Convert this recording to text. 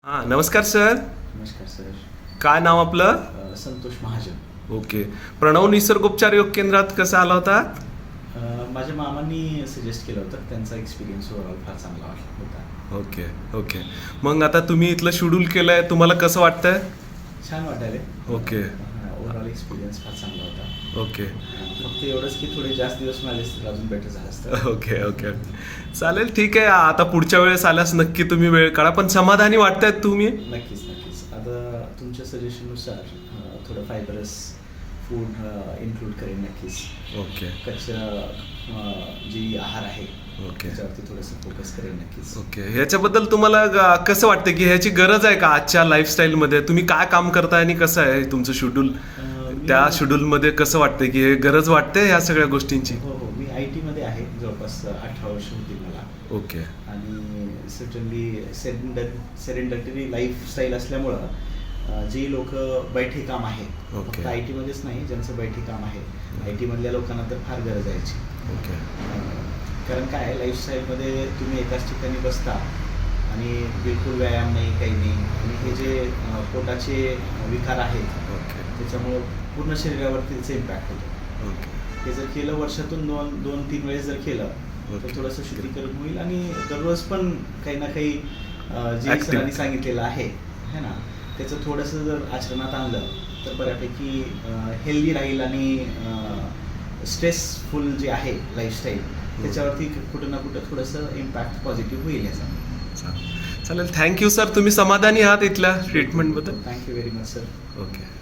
नमस्कार सर. नमस्कार सर. काय नाव आपलं? संतोष महाजन. ओके. प्रणव निसर्गोपचार योग केंद्रात कसा आला होता? माझ्या मामांनी सजेस्ट केलं होतं. त्यांचा एक्सपिरियन्स ओव्हरऑल फार चांगला होता. Okay okay. मग आता तुम्ही इथलं शेड्यूल केलंय, तुम्हाला कसं वाटतंय? छान वाटायले. ओके ओव्हरऑल एक्सपिरियन्स फार चांगला होता. ओके फक्त एवढंच की थोडे जास्त दिवस मिळाले तर अजून बेटर झालं असतं. ओके ओके चालेल, ठीक आहे. आता पुढच्या वेळेस आल्यास नक्की तुम्ही वेळ काढा, पण समाधानी वाटतायत तुम्ही? नक्कीच नक्कीच. आता तुमच्या सजेशननुसार थोडं फायबरस फूड इन्क्लूड करेन नक्कीच. ओके कच्चं जी आहार आहे ओके त्याच्यावरती थोडंसं फोकस करेन नक्कीच. ओके. ह्याच्याबद्दल तुम्हाला कसं वाटतं की ह्याची गरज आहे का आजच्या लाईफस्टाईलमध्ये? तुम्ही काय काम करताय आणि कसं आहे तुमचं शेड्यूल? त्या शेड्यूलमध्ये कसं वाटतं की हे गरज वाटते ह्या सगळ्या गोष्टींची? हो हो, मी IT मध्ये आहे. जवळपास 18 वर्ष होतील मला. ओके आणि सर्टनली सेरेंडटरी लाईफस्टाईल असल्यामुळं जी लोक बैठे काम आहे, ओके. फक्त IT मध्येच नाही, ज्यांचं बैठे काम आहे IT मधल्या लोकांना तर फार गरज आहे याची. ओके कारण काय आहे, लाईफस्टाईलमध्ये तुम्ही एकाच ठिकाणी बसता आणि बिलकुल व्यायाम नाही, काही नाही. आणि हे जे पोटाचे विकार आहेत ओके त्याच्यामुळं पूर्ण शरीरावरती त्याचा इम्पॅक्ट होतो. ओके हे जर केलं वर्षातून दोन तीन वेळेस जर केलं तर ओके. थोडंसं शुद्धीकरण होईल. आणि दररोज पण काही ना काही जे Activity. सरांनी सांगितलेलं आहे है ना, त्याचं थोडंसं जर आचरणात आणलं तर बऱ्यापैकी हेल्दी राहील. आणि स्ट्रेसफुल जे आहे लाईफस्टाईल त्याच्यावरती कुठं ना कुठं थोडंसं इम्पॅक्ट पॉझिटिव्ह होईल याचा. चालेल. Thank you sir. तुम्ही समाधानी आहात इथल्या ट्रीटमेंटबद्दल? Thank you very much sir. Okay.